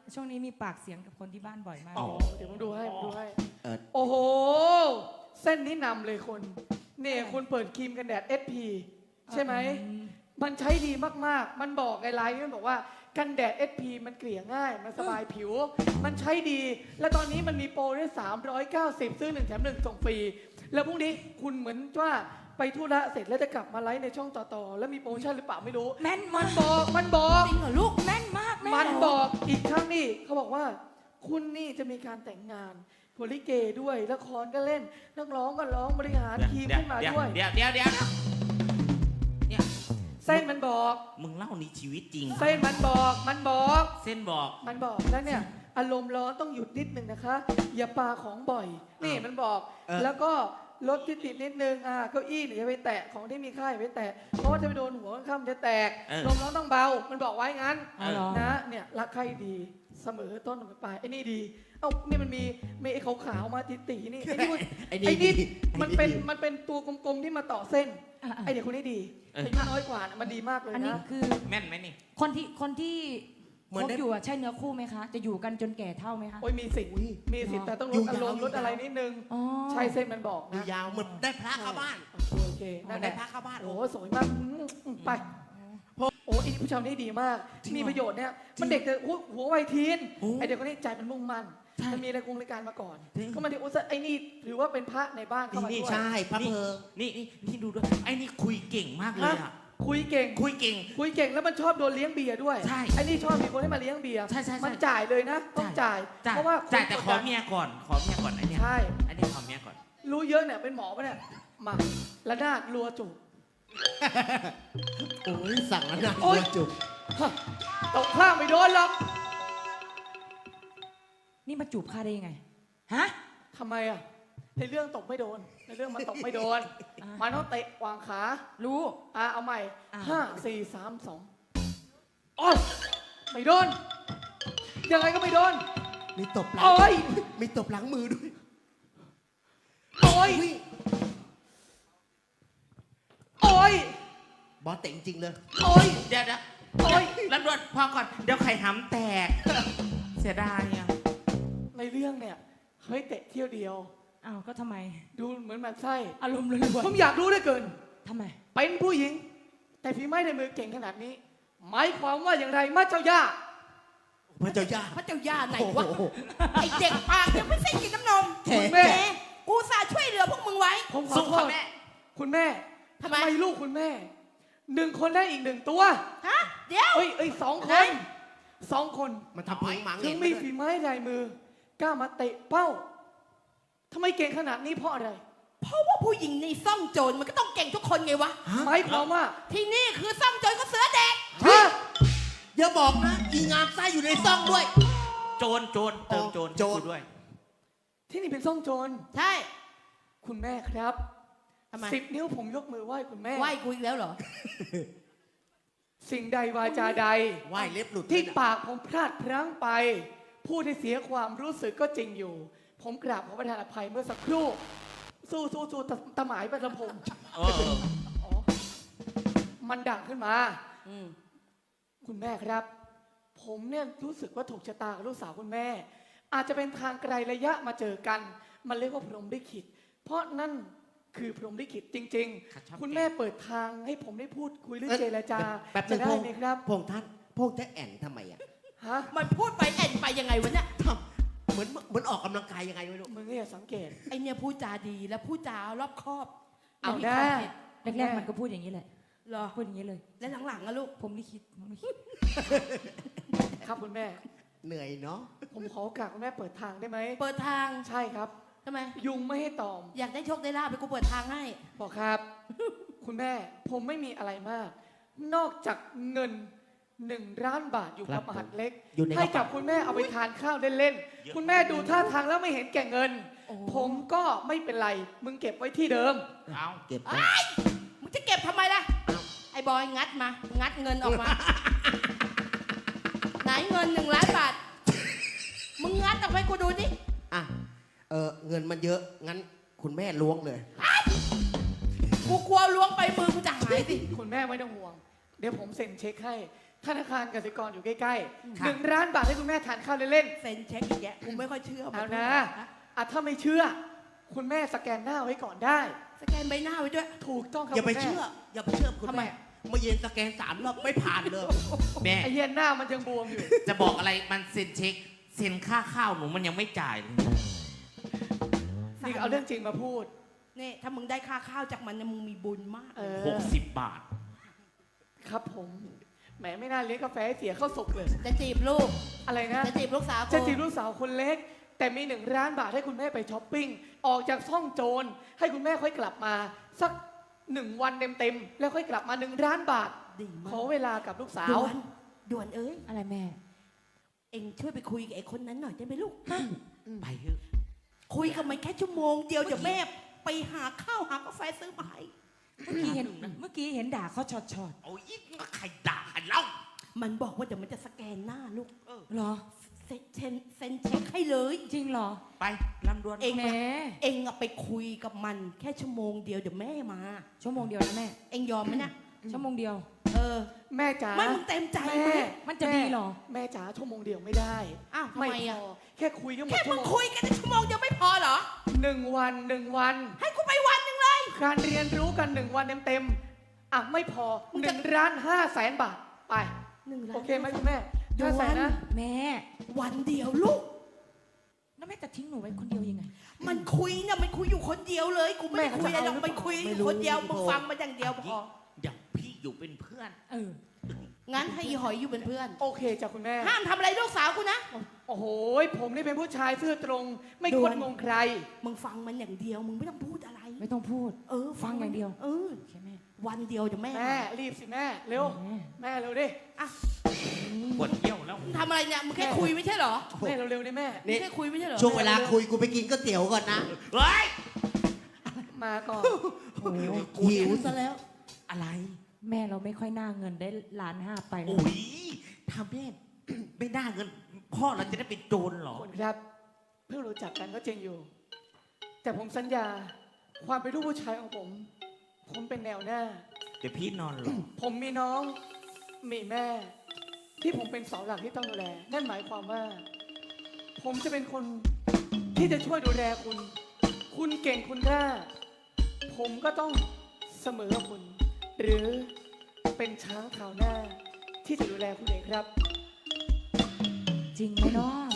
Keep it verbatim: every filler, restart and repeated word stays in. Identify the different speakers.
Speaker 1: ช่วงนี้มีปากเสียงกับคนที่บ้านบ่อยมาก
Speaker 2: อ๋อ
Speaker 3: เดี๋ยวผมดูให้ผมดูให้
Speaker 2: เออ
Speaker 3: โอ้โห เส้นนี้นำเลยคนเนี่ยคุณเปิดครีมกันแดด เอส พี ใช่ไหม มันใช้ดีมากๆ มันบอกไอ้ไลน์มันบอกว่ากันแดด เอส พี มันเกลี่ยง่าย มันสบายผิว มันใช้ดี และตอนนี้มันมีโปรด้วยสามร้อยเก้าสิบซื้อหนึ่งแถมหนึ่งส่งฟรี แล้วพรุ่งนี้คุณเหมือนว่าไปธุระเสร็จแล้วจะกลับมาไลฟ์ในช่องต่อๆ แล้วมีโปรโมชั่นหรือเปล่าไม่รู้
Speaker 1: แม่น
Speaker 3: มั
Speaker 1: มาน ก
Speaker 3: บอก มันบอก
Speaker 1: จริงเหรอลูกแม่นมากแม่
Speaker 3: มันบอกอีกครั้งนี่เขาบอกว่า คุณนี่จะมีการแต่งงานโพลิเกด้วยละครก็เล่นนักร้องก็ร้องบริหารทีมขึ้นมาด้วย
Speaker 2: เดี๋ยวเดี๋ยวเดี๋ยวเนี่ย
Speaker 3: เส้นมันบอก
Speaker 2: มึงเล่านี่ชีวิตจริง
Speaker 3: เส้นมันบอกมันบอก
Speaker 2: เส้นบอก
Speaker 3: มันบอกแล้วเนี่ยอารมณ์ร้อนต้องหยุดนิดนึงนะคะ อย่าปาของบ่อย นี่มันบอก
Speaker 2: เออ
Speaker 3: แล้วก็ลดที่ติดนิดนึงอ่าเก้าอี้อย่าไปแตะของที่มีค่าอย่าไปแตะเพราะว่าจะไปโดนหัวข้ามจะแตกลมร้อนต้องเบา มันบอกไว้งั้น
Speaker 1: อ๋อเหรอ
Speaker 3: นะเนี่ยรักใครดีเสมอต้นเสมอปลายไอ้นี่ดีเอ้านี่มันมีมีไอ้ขาวๆมาติตีๆนี่ไอ้นี่มัน
Speaker 2: ไอ้
Speaker 3: ไอ้
Speaker 2: นี่
Speaker 3: นี่
Speaker 2: ดี
Speaker 3: มันเป็นมันเป็นตัวกลมๆที่มาต่อเส้น
Speaker 1: อ่ะ
Speaker 3: ไอเด็กคนนี้ดี
Speaker 2: เออ
Speaker 3: อายุน้อยกว่าน่ะมันดีมากเลย
Speaker 1: อันนี้
Speaker 3: นะ
Speaker 1: คือ
Speaker 2: แม่นไหมนี่
Speaker 1: คนที่คนที่
Speaker 2: เหมื
Speaker 1: ค
Speaker 2: อน
Speaker 1: บ
Speaker 2: ได้
Speaker 1: อยู่อะใช่เนื้อคู่ไหมคะ จะอยู่กันจนแก่เท่าไหมคะ
Speaker 3: โอ้ยมีสิทธิ์มีสิทธิ์แต่ต้องล
Speaker 2: อยู่
Speaker 3: ดอารมณ์
Speaker 2: ยาว
Speaker 3: ลดอะไรนิดนึง
Speaker 1: อ๋อ
Speaker 3: ใช่เส้นมันบอก
Speaker 2: ดู
Speaker 3: นะ
Speaker 2: ยาวเหมือนได้พระเข้าบ้าน
Speaker 3: โอเคนั่นแห
Speaker 2: ได้
Speaker 3: ละ
Speaker 2: พระเข้าบ้าน
Speaker 3: โอ้โหสวยมากอืมอืมไปโอ้อีผู้ชายนี่ดีมาก
Speaker 2: จริงเหรอ
Speaker 3: มีประโยชน์เนี่ยมันเด็กแต่หัวหัววัยทีน
Speaker 2: โอ้
Speaker 3: ไอเด็กคนนี้ใจมันมุ่งมั่น
Speaker 2: ใช่
Speaker 3: มันมีรายกงรายการมาก่อน
Speaker 2: จริง
Speaker 3: ก็มาที่อุตสาไอ้นี่ถือว่าเป็นพระในบ้านเข้ามา
Speaker 2: นี่
Speaker 3: ด้วย
Speaker 2: ใช่พระเพลิงนี่นี่นี่ดูด้วยไอ้นี่คุยเก่งมากเลย
Speaker 3: ฮะ
Speaker 2: อ่ะ
Speaker 3: คุยเก่ง
Speaker 2: คุยเก่ง
Speaker 3: คุยเก่งแล้วมันชอบโดนเลี้ยงเบียร์ด้วย
Speaker 2: ใช่
Speaker 3: ไอ้นี่ชอบมีคนให้มาเลี้ยงเบียร์
Speaker 2: ใช่ใช่ใช่
Speaker 3: มันจ่ายเลยนะต้องจ่าย
Speaker 2: จ่าย
Speaker 3: เพราะว่า
Speaker 2: จ่ายแต่
Speaker 3: คน
Speaker 2: ข
Speaker 3: ก
Speaker 2: อ
Speaker 3: ดดัน
Speaker 2: เมียก่อน ขอเมียก่อนไอ้เนี่ย
Speaker 3: ใช่
Speaker 2: ไอ้เนี่ยขอเมียก่อน
Speaker 3: รู้เยอะเนี่ยเป็นหมอปะเนี่ยมาละนาดรัวจุก
Speaker 4: โอ้ยสั่งแล้วนะ
Speaker 3: โอ๊ย
Speaker 4: จุก
Speaker 3: ฮะตกข้างไม่โดนหรอก
Speaker 1: นี่มาจูบข้าได้ยังไง ฮะ
Speaker 3: ทำไมอ่ะในเรื่องตกไม่โดนในเรื่องมันตกไม่โดน
Speaker 1: อ่ะ
Speaker 3: มันต้องเตะวางขา
Speaker 1: รู้
Speaker 3: อ่ะเอาใหม่
Speaker 1: อ่ะ
Speaker 3: ห้าสี่สามสองโอ้ยไม่โดนยังไงก็ไม่โดน
Speaker 4: มีตบหลัง
Speaker 3: โอ้ย
Speaker 4: มีตบหลังมือด้วย
Speaker 3: โอ้ยโอ้ย
Speaker 4: บอสเตะจริงๆเลย
Speaker 3: โอ้ย
Speaker 2: เดี๋ยวเดี๋ยว
Speaker 3: โอ้ย
Speaker 2: รับรวดพอก่อน เดี๋ยวไข่หำแตก เสียดายอ่ะ
Speaker 3: ในเรื่องเนี่ยเฮ้ยเตะเที่ยวเดียว
Speaker 1: อ้าวก็ทำไม
Speaker 3: ดูเหมือนหมันไส้
Speaker 1: อารมณ์ล้วน
Speaker 3: ผมอยากรู้เหลือเกิน
Speaker 1: ๆทำไม
Speaker 3: เป็นผู้หญิง แต่ฝีไม้ในมือเก่งขนาดนี้ หมายความว่าอย่างไรมาเจ้าย่า
Speaker 4: พระเจ้าย่า
Speaker 5: พระเจ้าย่าไหน
Speaker 4: โอ้
Speaker 5: วะ
Speaker 4: โห
Speaker 5: ไอเด็กปากยังไม่ใช่กินน้ำนม
Speaker 4: แขก
Speaker 3: คุณแม่
Speaker 5: แหมกูสาช่วยเหลือพวกมึงไว้
Speaker 3: ผมขอ
Speaker 2: สู้
Speaker 3: โท
Speaker 2: ค่ะ
Speaker 3: ษ
Speaker 2: แม่
Speaker 3: คุณแม่
Speaker 5: ทำไม
Speaker 3: ลูกคุณแม่หนึ่งคนได้อีกหนึ่งตัว
Speaker 5: ฮะ เดี๋ยว
Speaker 3: เอ้ยเอ้ยสองค
Speaker 5: ไหน
Speaker 3: นสองคน
Speaker 4: มันทำเพลงหมัง
Speaker 3: ถึ
Speaker 4: เห็
Speaker 3: ง
Speaker 4: นไหม
Speaker 3: มีฝีไม้ลายมือกล้ามาเตะเป้าทำไมเก่งขนาดนี้เพราะอะไร
Speaker 5: เพราะว่าผู้หญิงในซ่องโจรมันก็ต้องเก่งทุกคนไงวะ
Speaker 3: หมายความว่า
Speaker 5: ที่นี่คือซ่องโจรก็เสือแดก
Speaker 3: ฮะ
Speaker 4: อย่าบอกนะ อีงามไส้อยู่ในซ่องด้วย
Speaker 2: โจร โจร เติมโจร
Speaker 4: โจร
Speaker 2: ให้กูด้วย
Speaker 3: ที่นี่เป็นซ่องโจร
Speaker 5: ใช่
Speaker 3: คุณแม่ครับ
Speaker 5: ทำไม
Speaker 3: สิบนิ้วผมยกมือไหว้คุณแม่
Speaker 5: ไหวกูอีกแล้วเหรอ
Speaker 3: สิ่งใดวาจาใด
Speaker 4: ไหว้เล็บหลุด
Speaker 3: ที่
Speaker 4: เลยนะ
Speaker 3: ปากผมพลาดพลั้งไป พูดให้เสียความรู้สึกก็จริงอยู่ ผมกราบขอประทานอภัยเมื่อสักครู่ สู้สู้สู้ตะตะหมายไปลำพง
Speaker 2: เออ
Speaker 3: อ๋อมันดังขึ้นมา
Speaker 5: อืม
Speaker 3: คุณแม่ครับ ผมเนี่ยรู้สึกว่าถูกชะตากับลูกสาวคุณแม่ อาจจะเป็นทางไกลระยะมาเจอกัน มันเรียกว่าพรหมลิขิตเพราะนั่นคือพรหมลิขิตจริง
Speaker 2: ขัดชอบ
Speaker 3: ๆ คุณแม่เปิดทางให้ผมได้พูดคุยหรือ
Speaker 4: เอ้ย
Speaker 3: เจรจา
Speaker 4: แป๊บนึ
Speaker 3: จะ
Speaker 4: ง
Speaker 3: ได้
Speaker 4: พง
Speaker 3: ไหมครับ
Speaker 4: พงท่านพงจะแอนทำไมอ่ะ
Speaker 3: ฮะ
Speaker 5: มันพูดไปแอนไปยังไงวะเนี่ย
Speaker 4: ทำเหมือนเหมือนออกกำลังกายยังไงไม่รู้
Speaker 3: มึงเนี่ยสังเกต
Speaker 5: ไอเนี่ยพูดจาดีและพูดจารอบคอบ
Speaker 3: เอา
Speaker 5: มี
Speaker 3: ได้
Speaker 5: ความเห็น
Speaker 1: แรกๆมันก็พูดอย่างนี้แหละ
Speaker 5: เหรอ
Speaker 1: พูดอย่างนี้เลย
Speaker 5: และหลังๆอะลูก
Speaker 1: ผมลิขิตผมลิขิต
Speaker 3: ครับคุณแม่
Speaker 4: เหนื่อยเนาะ
Speaker 3: ผมขอโอกาสคุณแม่เปิดทางได้ไหม
Speaker 5: เปิดทาง
Speaker 3: ใช่ครับ
Speaker 5: ทำไม
Speaker 3: ยุงไม่ให้ตอม
Speaker 5: อยากได้โชคได้ลาบไปกูเปิดทางให้
Speaker 3: บอกครับ คุณแม่ผมไม่มีอะไรมาก นอกจากเงินหนึ่งล้านบาทอยู่กับมหัดเล็ก
Speaker 4: อยู่ใน
Speaker 3: ให้
Speaker 4: ก
Speaker 3: กั
Speaker 4: ระ
Speaker 3: บ
Speaker 4: เป๋า
Speaker 3: คุณแม่เอาไปทานข้าวเล่นๆคุณแม่ดูท่าทางแล้วไม่เห็นแก่เงิน
Speaker 5: โอ้
Speaker 3: ผมก็ไม่เป็นไร มึงเก็บไว้ที่เดิม
Speaker 2: เอา
Speaker 4: เก็บไว้
Speaker 5: มึงจะเก็บทำไมล่ะ ไอ้บอยงัดมา งัดเงินออกมา ไหนเงินหนึ่งล้านบาท มึงงัดออกไปกูดูดิ
Speaker 4: อ่ะเออเงินมันเยอะงั้นคุณแม่ล้วงเลย
Speaker 5: กูกลัวล้วงไปมือกูจะหายสิ
Speaker 3: คุณแม่ไม่ต้องห่วง เดี๋ยวผมเซ็นเช็คให้ธนาคารกสิกรอยู่ใกล้ๆ
Speaker 2: ค่ะ
Speaker 3: หนึ่งล้านบาทให้คุณแม่ทานข้าวเล่น
Speaker 5: เซ็นเช็คอีกแยะกูไม่ค่อยเชื่อ
Speaker 3: ๆเอา
Speaker 5: มั
Speaker 3: นะอ่ะถ้าไม่เชื่อ คุณแม่สแกนหน้าไว้ก่อนได้
Speaker 5: สแกนใบหน้าไว้ด้วย
Speaker 3: ถูกต้องครับ
Speaker 4: อย่าไป
Speaker 3: คุณแม่
Speaker 4: เชื่อ อย่าไปเชื่อคุณ
Speaker 5: ทำไม
Speaker 4: แม่เมื่อเย็นสแกนสามรอบไม่ผ่านเลย
Speaker 2: แม่
Speaker 3: ไอ้เหี้ย็นหน้ามันยังบวมอยู่
Speaker 2: จะบอกอะไรมันเซ็นเช็คเซ็นค่าข้าวหนูมันยังไม่จ่ายเลย
Speaker 3: นี่เอาเรื่องจริงมาพูด
Speaker 5: นี่ถ้ามึงได้ค่าข้าวจากมันเนี่ยมึงมีบุญมาก
Speaker 3: เออ
Speaker 2: หกสิบบาท
Speaker 3: ครับผม แหมไม่น่าเลี้ยงกาแฟให้เสียเข้าสุกเลย
Speaker 5: จะจีบลูก
Speaker 3: อะไรนะ
Speaker 5: จะจีบลูกสาวกู
Speaker 3: จะจีบลูกสาวคนเล็ก แต่มีหนึ่งล้านบาทให้คุณแม่ไปช้อปปิ้ง ออกจากซ่องโจร ให้คุณแม่ค่อยกลับมา สักหนึ่งวันเต็มๆ แล้วค่อยกลับมาหนึ่งล้านบาท
Speaker 5: ดีมา
Speaker 3: ขอกเวลากับลูกสาว
Speaker 5: ด่วนด่วนเอ้ย
Speaker 1: อะไรแม่
Speaker 5: เอ็งช่วยไปคุยกับไอ้คนนั้นหน่อยได้ไหมลูก
Speaker 2: ไปเถอะ
Speaker 5: คุยกับมันแค่ชั่วโมงเดียวเดี๋ยวแม่ไปหาข้าวหากาแฟซื้อมาให้
Speaker 1: เมื่อกี้เห็นเมื่อกี้เห็นด่าเขาช็อตช็อต
Speaker 2: โอ้ยใครด่าใครเล่า
Speaker 5: มันบอกว่าเดี๋ยวมันจะสแกนหน้าลูก
Speaker 1: ๆเหรอ
Speaker 5: เซ็นเซ็นเซ็นเช็คให้เลย
Speaker 1: จริงเหรอ
Speaker 2: ไปลำดวน
Speaker 5: เอง
Speaker 1: แหม
Speaker 5: เองอะไปคุยกับมันแค่ชั่วโมงเดียวเดี๋ยวแม่มา
Speaker 1: ชั่วโมงเดียวนะแม่
Speaker 5: เองยอมไหมนะ
Speaker 1: ชั่วโมงเดียว
Speaker 5: เออ
Speaker 3: แม่จ๋า
Speaker 5: ไม่มึงเต็มใจไหม
Speaker 3: แม่
Speaker 1: มันจะดีเหรอ
Speaker 3: แม่จ๋าชั่วโมงเดียวไม่ได้
Speaker 5: อ้าวทำ
Speaker 3: ไม่
Speaker 5: ไม
Speaker 3: พ
Speaker 5: อะ
Speaker 3: อ แค่คุยก็หมด
Speaker 5: แค่
Speaker 3: ชั่
Speaker 5: มึ
Speaker 3: ว
Speaker 5: ง
Speaker 3: โมง
Speaker 5: คุยกันในชั่วโมงเดียวไม่พอเหรอ
Speaker 3: หนึ่งวันหนึ่งวัน
Speaker 5: ให้กูไปวันหนึ่งเลย
Speaker 3: การเรียนรู้กันหนึ่งวันเต็มๆ อ่ะไม่พอ
Speaker 5: มึง
Speaker 3: ห
Speaker 5: จะ
Speaker 3: นึ่งล้านห้าแสนบาท ไป
Speaker 5: หนึ่งล้าน
Speaker 3: โอเคไหมคุณแม่
Speaker 5: เดี๋ยว
Speaker 3: ห้าแสน
Speaker 5: วัน
Speaker 3: นะ
Speaker 1: แม่
Speaker 5: วันเดียวลูก
Speaker 1: แล้วแม่จะทิ้งหนูไว้คนเดียวยังไง
Speaker 5: มันคุยเนี่ยมันคุยอยู่คนเดียวเลย กูไม่ได้คุยอะไรหรอกมันคุยอยู่คนเดียวมึงฟังมันอย่างเดียวพอ
Speaker 2: อย่างพี่อยู่เป็นเพื่อน
Speaker 1: เออ
Speaker 5: งั้นให้อีหอยอยู่เป็นเพื่อน
Speaker 3: โอเคจ้ะคุณแม่
Speaker 5: ห้ามทำอะไรลูกสาวกูนะ
Speaker 3: โอ้โห ผมนี่เป็นผู้ชายซื่อตรง ไม่
Speaker 5: ด่
Speaker 3: ค
Speaker 5: วน
Speaker 3: นงงใคร
Speaker 5: มึงฟังมันอย่างเดียว มึงไม่ต้องพูดอะไร
Speaker 1: ไม่ต้องพูด
Speaker 5: เออ
Speaker 1: ฟังอย่างเดียว
Speaker 5: เออ
Speaker 1: โอเคแม่
Speaker 5: วันเดียวเดี๋ยวแม่
Speaker 3: แม่รีบสิแม่ เร็ว
Speaker 1: แม่
Speaker 3: แม่เร็วดิ
Speaker 2: ปวดเยี่ยวแล้ว
Speaker 5: มึงทำอะไรเนี่ย มึงแค่คุยไม่ใช่เหรอ
Speaker 3: แม่เร็วๆดิแม่
Speaker 5: มึงแค่คุยไม่ใช่เหรอ
Speaker 4: ช่วงเวลาคุยกูไปกินก๋วยเตี๋ยวก่อนนะ
Speaker 2: เฮ้ย
Speaker 3: มาก่อน
Speaker 1: โอ้ย
Speaker 4: หิว
Speaker 5: ซะแล้ว
Speaker 2: อะไร
Speaker 1: แม่เราไม่ค่อยน่าเงินได้ล้านห้าไปแล้
Speaker 2: โอ้
Speaker 1: วย
Speaker 2: ถ้าแม่ ไม่ได้เงิน พ่อเราจะได้เป็นโจรเหรอ
Speaker 3: คุณครับ เพิ่งรู้จักกันก็จริงอยู่ แต่ผมสัญญา ความเป็นลูกผู้ชายของผม ผมเป็นแนวหน้า
Speaker 2: เดี๋ยวพี่นอนหรอ
Speaker 3: ผมมีน้องมีแม่ ที่ผมเป็นเสาหลักที่ต้องดูแล นั่นหมายความว่า ผมจะเป็นคนที่จะช่วยดูแลคุณ คุณเก่งคุณกล้า ผมก็ต้องเสมอคุณ หรือเป็นช้างเท้าหน้า ที่จะดูแลคุณเองครับ
Speaker 1: จริงไหมเนาะ